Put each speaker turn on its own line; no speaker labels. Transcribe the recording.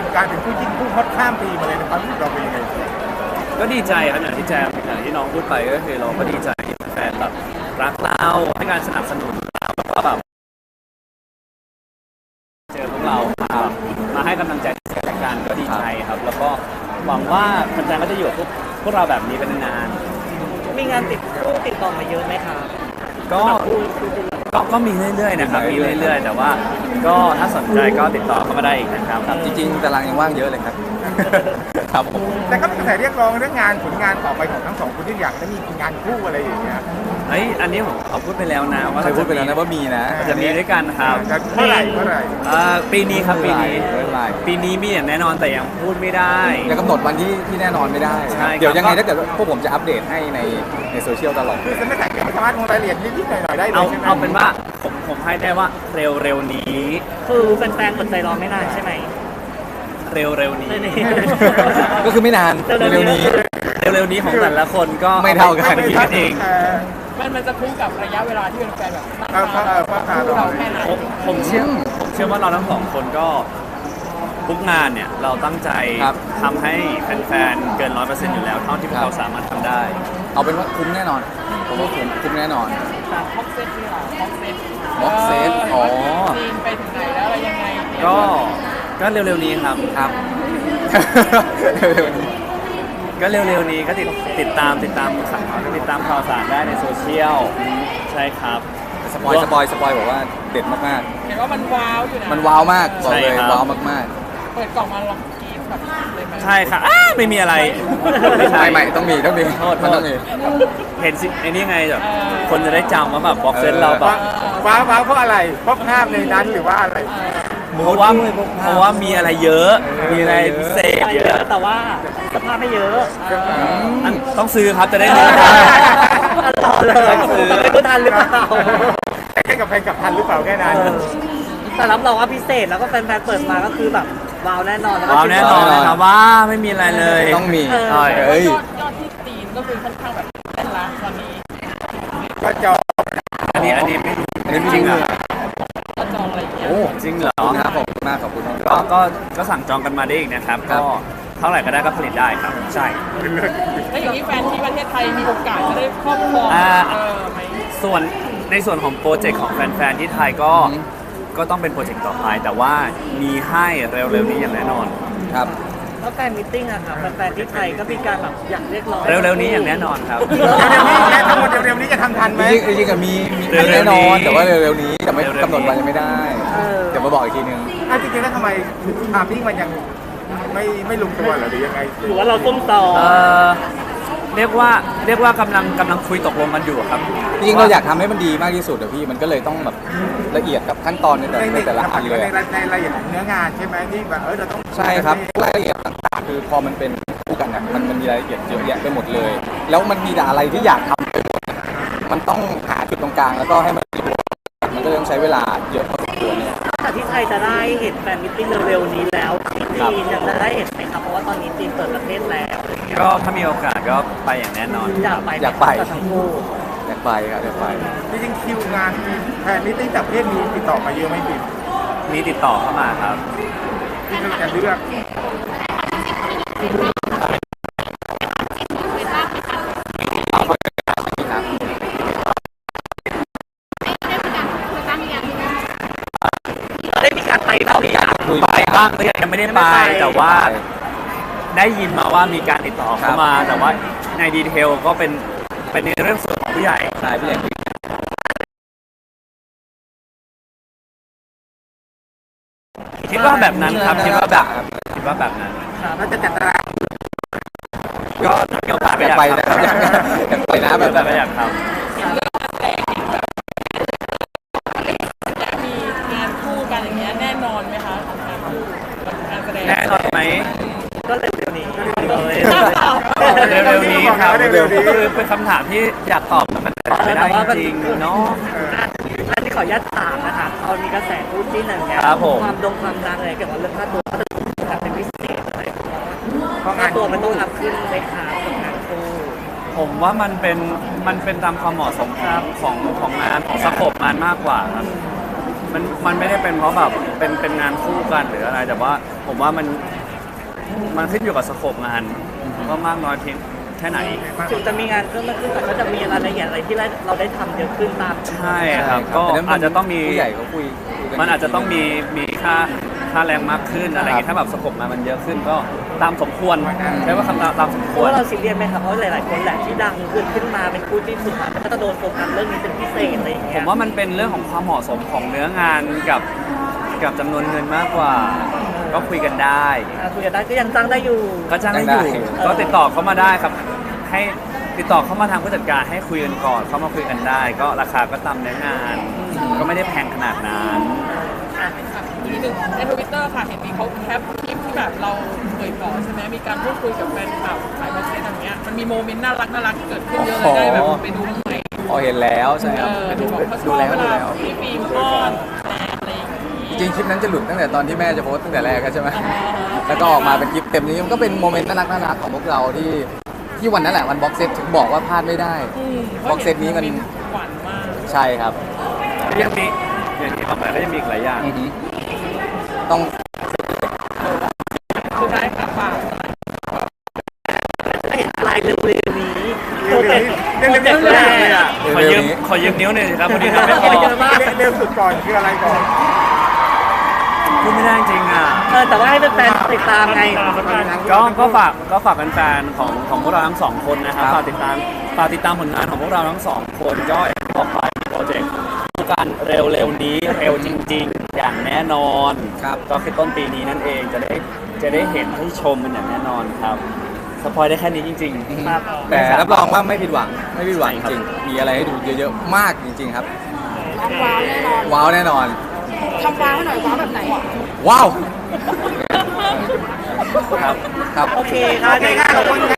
กลายเป็นคู่จิ้นคู่ฮอตข้ามปีมาเลยนะครับรู้สึกเราเป็นยังไง
ก็ดีใจครับอย่างที่น้องพูดไปก็คือเราก็ดีใจที่แฟนแบบรักเราให้การสนับสนุนเราแล้วก็แบบเจอพวกเรามาให้กำลังใจกันก็ดีใจครับแล้วก็หวังว่าแฟนๆก็จะอยู่กับพวกเราแบบนี้เป็นนาน
มีงานติดต่อมาเยอะไหมครับ
ๆก็มีเรื่อยๆนะครับมีเรื่อยๆแต่ว่าก็ถ้าสนใจก็ติดต่อเข้ามาได้อีกนะครับ
จริงๆตารางยังว่างเยอะเลยครับครับผม
แต่ก็มีกระแสเรียกร้องเรื่องงานผลงานต่อไปของทั้งสองคนที่อยากจะมีงานคู่อะไรอย่างเงี้ย
อันนี้ผมเอาพูดไปแล้วนะว่า
เคยพูดไปแล้วนะว่ามีนะ
จะมีด้วยกันครับ
เมื่อไหร่
ปีนี้ครับปีนี้มีอย่างแน่นอนแต่ยังพูดไม่ได้
ยังกำหนดวันที่แน่นอนไม่ได้เดี๋ยวยังไงถ้าเกิดพวกผมจะอัปเดตให้ในโซเชียลตลอด
คือจะไม่แต่งสามารถลงรายละเอียดนิดๆหน่อยๆได้เลยใช่ไหม
เอาเป็นว่าผมให้ได้ว่าเร็วๆนี้
คือแฟนๆกดใจรอไม่นานใช่ไหม
เร็วๆนี้
ก็คือไม่นานเร็วๆ
นี้ของแต่ละคนก็
ไม่เท่ากัน
คิดกันเอง
มันจะคุ้มกับระยะเวลาที่เป็นแฟนแบบ
เรา
แค่ไหน
ผมเชื่อว่าเราทั้งสองคนก็ทุกงานเนี่ยเราตั้งใจทำให้แฟนๆเกิน 100% อยู่แล้วเท่าที่พวกเราสามารถทำได้
เอาเป็นว่าคุ้มแน่นอนผมว่าคุ้มแน่นอน
พ็อกเซตนี่หรอ
พ็อกเซตอ๋อ
จีนไปถึงไหนแล้วอะไรยังไง
ก็เร็วๆนี้ครับก็เร็วๆนี้ก็ติดตามข่าวสารได้ในโซเชียลใช่ครับ
สปอยบอกว่าเด็ดมาก
ๆเห็นว่ามันว้าวอยู่นะ
มันว้าวมากบอกเลยว้าวมาก
ๆเปิดกล่องมาลองกินแบบเลยไหม
ใช่ค่ะไม่มีอะไร
ไม่ต้องมีมันต้องมี
เห็นสิไอ้นี่ไงแบบคนจะได้จำว่าแบบบ็อกเซตเราแบบ
ว้าวเพราะอะไรเพราะภาพในนั้นหรือว่าอะไร
เพราะว่ามีอะไรเยอะมีอะไรพิเศษเยอะ
แต่ว่าสภาพไม่เยอะ
ต้องซื้อครับจะได้รู้
ต้องซื้อไม่ทันหรือเปล่า
แค่กับแฟนกับทันหรือเปล่าแค่นั้น
แต่รับรองว่าพิเศษแล้วก็แฟนๆเปิดมาก็คือแบบว้าวแน่นอน
นะครับว่าไม่มีอะไรเลย
ต้องมี
ยอดที่ตีนก็คือค่อนข้างแบบแน่นละตอนนี้
ก็จอง
อันนี้ไม่รู้อันนี้ไม่จริงอ่ะ
จองอะไรอย่างเงี้ย
โอ้จริงเหรอ
ครับผมมากขอบคุณ
ก็สั่งจองกันมาได้อีกนะครับก็เท่าไหร่ก็ได้ก็ผลิตได้ครับใช่
แล้วอย่างนี้แฟนที่ประเทศไทยมีโอกาสจะได้ครอบครองไหม
ในส่วนของโปรเจกต์ของแฟนๆที่ไทยก็ต้องเป็นโปรเจกต์ต่อไปแต่ว่ามีให้เร็วๆนี้อย่างแน่นอน
ครับ
แล้วแฟนมิทติ้งอะครับแฟนที่ไทยก็มีการแบบอยากเรียกร้อง
เร็วๆนี้อย่างแน่นอนครับ
ทั้งหมดเร็วๆนี้จะทำทันไหม
จริงๆก็มีแน่นอนแต่ว่าเร็วๆนี้แต่ไม่กำหนดวันยังไม่ได้เดี๋ยวมาบอกอีกทีนึง
จริงๆแล้วทำไมทามมิ่งมันยังไม่ลงตัวหรือยังไง
หรือว่าเราต้มต่อ
เรียกว่ากำลังคุยตกลงกันอยู่ครับ
จริงๆเราอยากทำให้มันดีมากที่สุดพี่มันก็เลยต้องแบบละเอียดกับขั้นตอนในแต่ละอันเลย
ในรายละเอียดเนื้องานใช่ไหมที่แบบเราต้อง
ใช่ครับรายละเอียดต่างๆคือพอมันเป็นคู่กันนะมันมีรายละเอียดเยอะแยะไปหมดเลยแล้วมันมีแต่อะไรที่อยากทำไปหมดมันต้องหาจุดตรงกลางแล้วก็ให้มันก็ต้องใช้เวลาเยอะพอสมควรเนี่ย
แต่ที่ไทยจะได้เห็นแฟนมิทติ้งเร็วๆนี้แล้วที่จีนจะได้เห็นไหมครับเพราะว่าตอนนี้จีนเปิดประเทศแล้ว
ก็ถ้ามีโอกาสก็ไปอย่างแน่นอน
อยากไป
ทั้งคู่อยากไปครับอยากไป
จริงๆคิวงานแฟนมิทติ้งจากประเทศมีติดต่อมาเยอะไหมพี่
มีติดต่อเข้ามาครับ
ที่เราจะเลือก
ได้มีการไปบ้างหรือยัง
ไปบ้างก็ยังไม่ได้ไปแต่ว่าได้ยินมาว่ามีการติดต่อเข้ามาแต่ว่าในดีเทลก็เป็นในเรื่องส่วนของผู้ใหญ่
ใช่ผู้ใหญ่
คิดว่าแบบนั้นครับคิดว่าแบบนั้น
เราจะจัดตาราง
ก็เกี่ยวกับ
ไปนะครับอยากไปนะ
แบบอยากทำ
มีงานคู่กันอย่างเงี้ยแน่นอนไหมคะการแสดง
แน่นอนไหม
ก็เร็วๆนี้
ครับคือเป็นคำถามที่อยากตอบแต่มันไม่ได้จริงเนาะ
อันนี้ขออนุญาตถามนะคะเอามีกระแสพูดที่หนึ่งเนี่ยความดังอะไรเกี่ยวกับเรื่องค่าตัวจะเป็นพิเศษอะไรเพราะค่าตัวมันต้องรับขึ้นไหมคะกับงานคู่
ผมว่ามันเป็นตามความเหมาะสมครับของงานของสโคปงานมากกว่าครับมันไม่ได้เป็นเพราะแบบเป็นงานคู่กันหรืออะไรแต่ว่าผมว่ามันมันขึ้นอยู่กับสโคปงานว่ามากน้อยเพียงแค่ไหน
ถึงจะมีงานเพิ่มมากขึ้นแต่ก็จะมีรายละเอียดอะไรที่เราได้ทำเยอะขึ้นตาม
ใช่ครับก็อาจจะต้องมี
ผู้ใหญ่เขาคุยกั
มันอาจจะต้องมีค่าแรงมากขึ้นอะไรอย่างงี้ถ้าแบบสโคปงานมันเยอะขึ้นก็ตามสมควรใช้ว่าคำตามสมค
เพ
ว
ราะ
ร
ว่าเราซีเรียสไหมครับเพราะหลายๆคนแหละที่ดังขึ้นมาเป็นคู่ที่สุดก็จะโดนโฟกัสเรื่องนี้เป็นพิเศษอะไรอย่าง
ผ
เงี้ย
มว่ามันเป็นเรื่องของความเหมาะสมของเนื้องานกับจำนวนเงินมากกว่า ก็คุยกันได้
คุยกันได้ก็ยังจ้างได้อยู่
ก็จ้างได้อยู่ก็ติดต่อเข้ามาได้ครับ ให้ติดต่อเข้ามาทางผู้จัดการให้คุยกันก่อนเข้ามาคุยกันได้ ก็ราคาก็ตามเนื้องาน ก็ไม่ได้แพงขนาดนั้น
อีกหนึ่งในทวิตเตอร์ค่ะเห็นมีเขาแคปคลิปที่แบบเราเคยก่อใช่ไหมมีการพูดคุยกับแฟนคลับสายบ็อกเซตอย่างเงี้ยมันมีโมเมนต์น่ารักเกิดขึ้นเยอะเลยได้แบบไปดูบ้างไหม
พอเห็นแล้วใช่ครับ
ดูบอกเขาช
ดู
อบ
แล้ว
เว
ดู
ลา
แล้ว
พี่ฟิล์มป้อนแรงอะไรอย่างงี้
จริงๆคลิปนั้นจะหลุดตั้งแต่ตอนที่แม่จะโพสต์ตั้งแต่แรกใช่ไหมแล้วก็ออกมาเป็นคลิปเต็มนี้มันก็เป็นโมเมนต์น่ารักของพวกเราที่วันนั้นแหละวันบ็อกเซตถึงบอกว่าพลาดไม่ได้ บ็อกเซตนี้มัน
หวานมาก
ใช่ครับ
ยังมีอย่างที่บอกไปก็ยังมีอีกหลายอย่าง
ต้อง
สุดท้ายค่ะฝาก
เห็นลายเร็วๆนี้
เร็วๆนี้เร็วๆนี้เลยอ่ะ
ขอยืมนิ้วหน่อยสิครับพอดีนะไม่พอ
เยอะมาก
เร็วสุดก่อนคืออะไรก่อน
พูดไม่ได้จริงอ่ะ
แต่ว่าให้แฟนๆติดตามไง
ก็ฝากแฟนๆของพวกเราทั้งสองคนนะครับฝากติดตามผลงานของพวกเราทั้งสองคนก็อย่างที่บอกไปโปรเจกต์การเร็วๆนี้เร็วจริง ๆ อย่างแน่นอน
ครับ
ก็คือต้นปีนี้นั่นเองจะได้เห็นให้ชมมันอย่างแน่นอนครับสปอยได้แค่นี้จริง
ครับ
แต่รับรองว่าไม่ผิดหวังจริงๆมีอะไรให้ดูเยอะๆมากจริงๆครับ
ว้าวแน่นอน
ว้าวแน่นอน
ทำว้าวให้หน่อยว้าวแบบไหน
ว้าว
ๆครับ
ครับ
โอเคครับ
โอเคค่ะขอบคุณ